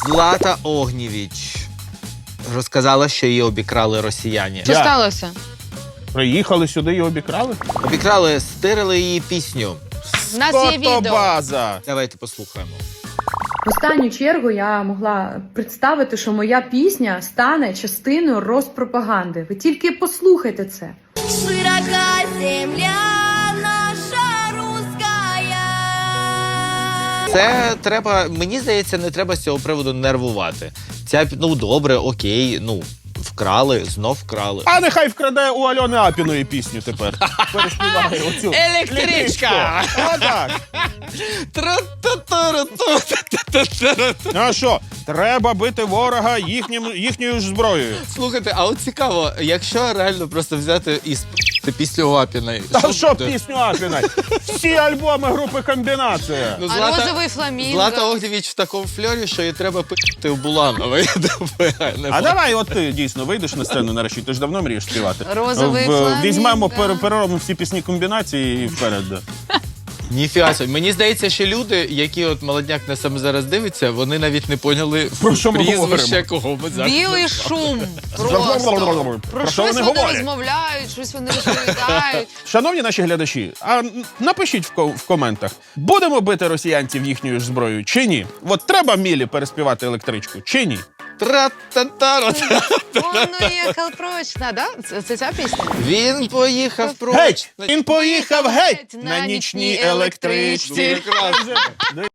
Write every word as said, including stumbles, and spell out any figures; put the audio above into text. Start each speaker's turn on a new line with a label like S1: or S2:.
S1: Злата Огнєвіч розказала, що її обікрали росіяни.
S2: Що сталося?
S3: Приїхали сюди і обікрали?
S1: Обікрали, стирили її пісню.
S2: У нас є відео.
S3: Фотобаза.
S1: Давайте послухаємо.
S4: В останню чергу я могла представити, що моя пісня стане частиною розпропаганди. Ви тільки послухайте це.
S5: Широка земля наша русская.
S1: Це треба, мені здається, не треба з цього приводу нервувати. Ця, ну, добре, окей, ну, вкрали, знов вкрали.
S3: А нехай вкраде у Альони Апіної пісню тепер. Переспіває оцю.
S1: Електричка!
S3: Отак. А що? Треба бити ворога їхнім, їхньою ж зброєю.
S1: Слухайте, а от цікаво, якщо реально просто взяти і спити пісню Апіної.
S3: Та що пісню Апіна? Всі альбоми групи «Комбінація».
S1: Ну,
S2: А розовий фламінго?
S1: Злата Огнєвіч в такому фльорі, що її треба пити в Буланова. Я думаю, не
S3: А давай от ти дійсно вийдеш на сцену нарешті, ти ж давно мрієш співати.
S2: Розовий
S3: В-
S2: фламінго.
S3: Візьмемо, пере- переробимо всі пісні «Комбінації» і вперед. Да.
S1: Ніфіга собі. Мені здається, що люди, які от молодняк на саме зараз дивиться, вони навіть не поняли
S3: Про що ми
S1: прізвище,
S3: говоримо?
S1: кого ми зараз.
S2: Білий шум. Просто. Про
S3: Про що
S2: щось
S3: вони
S2: вони
S3: говорять?
S2: розмовляють, щось вони розповідають.
S3: Шановні наші глядачі, а н- напишіть в, ко- в коментах, будемо бити росіянців їхньою ж зброєю чи ні? От треба Мілі переспівати електричку, чи ні?
S1: Тра-та-та-ра.
S2: Он уїхав прочно, да? Це, це ця пісня?
S1: Він поїхав проч.
S3: Геть! Він поїхав геть на нічній електричці.
S1: Прекрасно.